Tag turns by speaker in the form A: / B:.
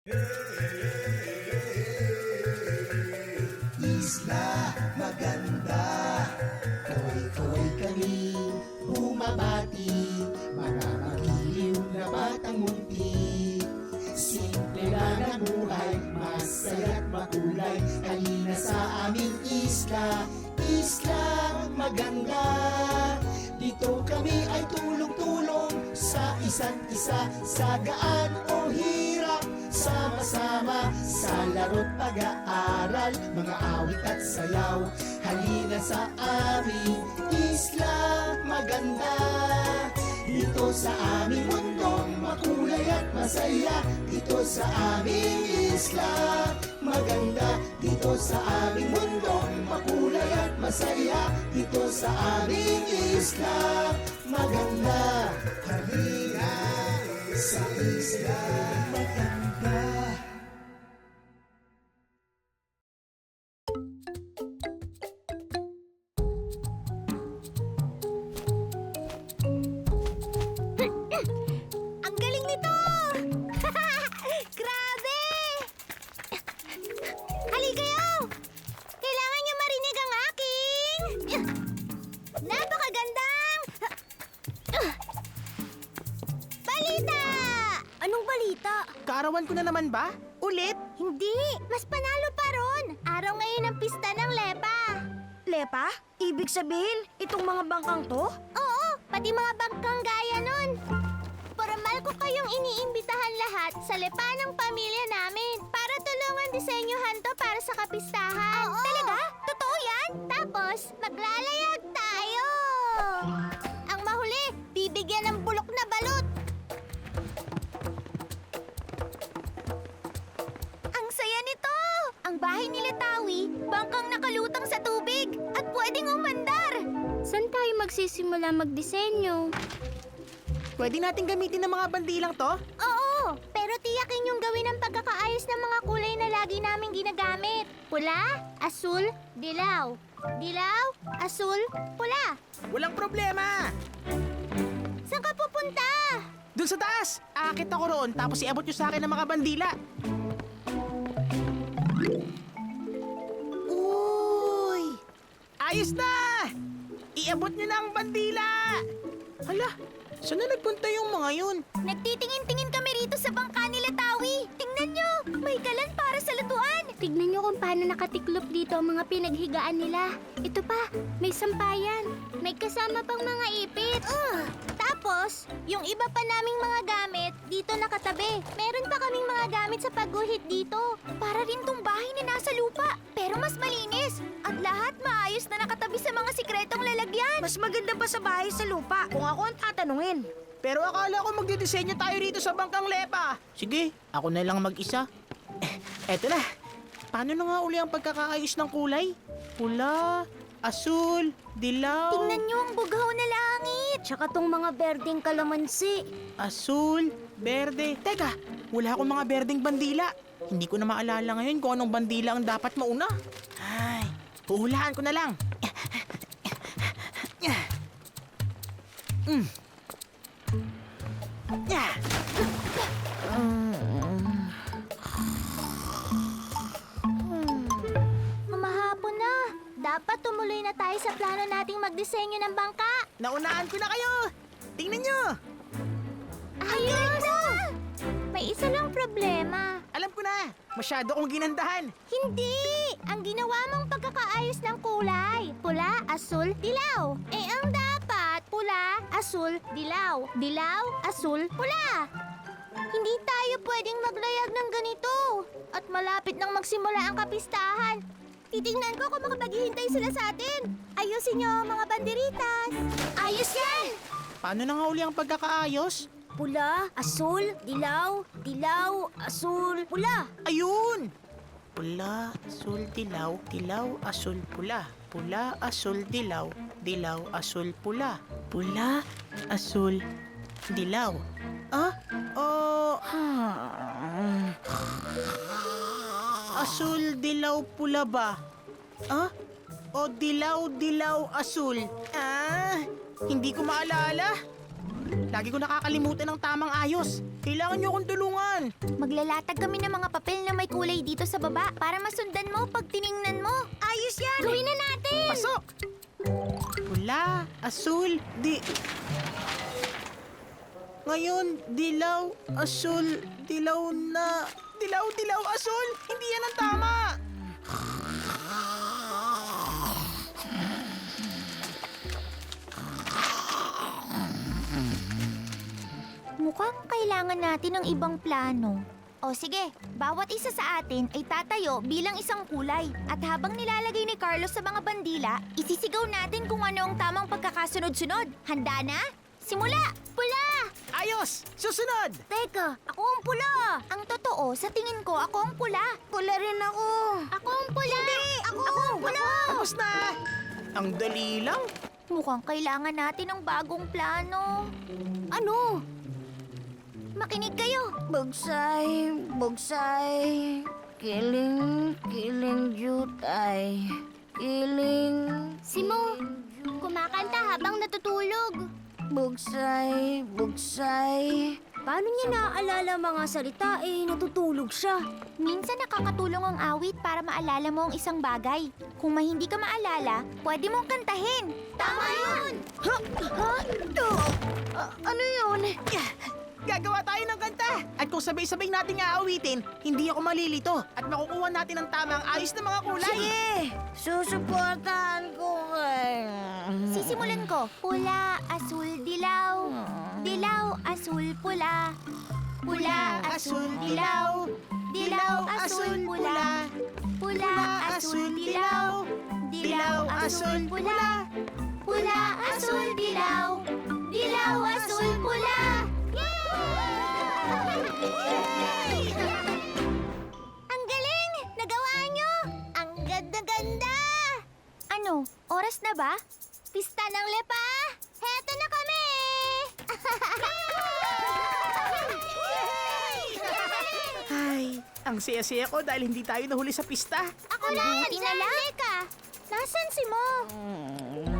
A: Isla maganda, kaway-kaway kami bumabati, mga magiliw na batang munti. Simple lang ang buhay, masaya't makulay. Halina sa aming isla, isla maganda. Dito kami ay tulong-tulong sa isa't isa, sa gaan o hirap. Sama-sama sa laro't pag-aaral, mga awit at sayaw. Halina sa aming isla maganda. Dito sa aming mundong makulay at masaya. Dito sa aming isla maganda. Dito sa aming mundong makulay at masaya. Dito sa aming isla maganda. Halina sa isla maganda.
B: Ang galing nito! Grabe! Halika kayo! Kailangan niyo marinig ang aking... napakagandang... balita! Anong balita?
C: Kaarawan ko na naman ba? Ulit?
B: Hindi! Mas panalo pa ron! Araw ngayon ang pista ng Lepa!
D: Lepa? Ibig sabihin, itong mga bangkang to?
B: Oo! Pati mga bangkang gaya nun! Formal ko kayong iniimbitahan lahat sa Lepa ng pamilya namin para tulungan disenyuhan to para sa kapistahan. Oo. Talaga? Totoo yan? Tapos, maglalayag tayo! Ang mahuli, bibigyan ng bulok na balot! Ang saya nito! Ang bahay ni Letawi, bangkang nakalutang sa tubig at pwedeng umandar! Saan tayo magsisimula magdisenyo?
C: Pwede natin gamitin ng mga bandilang to?
B: Oo, pero tiyakin yung gawin ang pagkakaayos ng mga kulay na lagi namin ginagamit. Pula, asul, dilaw. Dilaw, asul, pula.
C: Walang problema!
B: Saan ka pupunta?
C: Doon sa taas! Aakit ako roon tapos iabot nyo sa akin ng mga bandila.
D: Uy!
C: Ayos na! Iabot nyo na ang bandila! Hala, saan na nagpunta yung mga yun?
B: Nagtitingin-tingin kami rito sa bangka ni Letawi. Tingnan nyo, may kalan para sa lutuan. Tignan nyo kung paano nakatiklop dito ang mga pinaghigaan nila. Ito pa, may sampayan. May kasama pang mga ipit. Tapos, yung iba pa naming mga gamit dito nakatabi. Meron pa kaming mga gamit sa pagguhit dito. Para rin tong bahay na nasa lupa, pero mas malinis. At lahat maayos na nakatabi sa mga sikretong lalagyan.
D: Mas maganda pa sa bahay sa lupa kung ako ang tatanungin.
C: Pero akala ko magdidisenyo tayo rito sa bangkang Lepa. Sige, ako na lang mag-isa. Eto na. Paano na nga uli ang pagkakaayos ng kulay? Pula, asul, dilaw.
B: Tingnan nyo ang bughaw na langit.
D: Tsaka tong mga berdeng kalamansi.
C: Asul, berde. Teka, wala akong mga berdeng bandila. Hindi ko na maalala ngayon kung anong bandila ang dapat mauna. Ay, huhulaan ko na lang.
B: Mamahapon na. Dapat tumuloy na tayo sa plano nating magdisenyo ng bangka.
C: Naunaan ko na kayo. Tingnan nyo.
B: Ayos! May isa lang problema.
C: Alam ko na. Masyado kong ginandahan.
B: Hindi! Ang ginawa mong pagkakaayos ng kulay. Pula, asul, dilaw. Eh ang dapat, pula, asul, dilaw. Dilaw, asul, pula. Hindi tayo pwedeng maglayag ng ganito. At malapit nang magsimula ang kapistahan. Titingnan ko kung makapaghihintay sila sa atin. Ayusin niyo mga banderitas. Ayos yan!
C: Paano na nga uli ang pagkakaayos?
D: Pula, asul, dilaw, dilaw, asul, pula.
C: Ayun! Pula, asul, dilaw, dilaw, asul, pula. Pula, asul, dilaw, dilaw, asul, pula. Pula, asul, dilaw. Ah? Oh... Asul, dilaw, pula ba? Ah? O dilaw, dilaw, asul? Ah? Hindi ko maalala. Lagi ko nakakalimutan ng tamang ayos. Kailangan niyo akong tulungan.
B: Maglalatag kami ng mga papel na may kulay dito sa baba para masundan mo pag tiningnan mo. Ayos yan! Gawin na natin!
C: Pasok! Pula, asul, Ngayon, dilaw, asul, dilaw na... Dilaw, asul! Hindi yan ang tama!
B: Mukhang kailangan natin ng ibang plano. O sige, bawat isa sa atin ay tatayo bilang isang kulay. At habang nilalagay ni Carlos sa mga bandila, isisigaw natin kung ano ang tamang pagkakasunod-sunod. Handa na? Simula! Pula!
C: Ayos! Susunod!
B: Teka, ako ang pula! Ang totoo, sa tingin ko, ako ang pula. Pula rin ako. Ako ang pula! Hindi! Ako ang pula!
C: Tapos na! Ang dali lang.
B: Mukhang kailangan natin ng bagong plano. Ano? Makinig kayo.
D: Bugsay, bugsay, kiling jutay, kiling...
B: Simo, kumakanta habang natutulog.
D: Bugsay, bugsay. Paano niya naaalala mga salita natutulog siya?
B: Minsan nakakatulong ang awit para maalala mo ang isang bagay. Kung may hindi ka maalala, pwede mong kantahin. Tama yun!
D: Ano yun?
C: Gagawa tayo ng kanta. At kung sabay-sabay nating aawitin, hindi ako malilito. At makukuha natin ang tamang ayos na mga kulay.
D: Sige, susuportahan ko kayo.
B: Sisimulan ko. Pula, asul, dilaw. Dilaw, asul, pula. Pula, asul, dilaw. Dilaw, asul, pula. Pula, asul, dilaw. Dilaw, asul, pula. Pula, asul, dilaw. Dilaw, asul, pula. Yay! Ang galing! Nagawa nyo! Ang ganda-ganda! Ano? Oras na ba? Pista ng lepa! Heto na kami!
C: Ay, ang saya-saya ko dahil hindi tayo nahuli sa pista.
B: Ako lang! Buti na lang! Teka! Nasaan si Mo?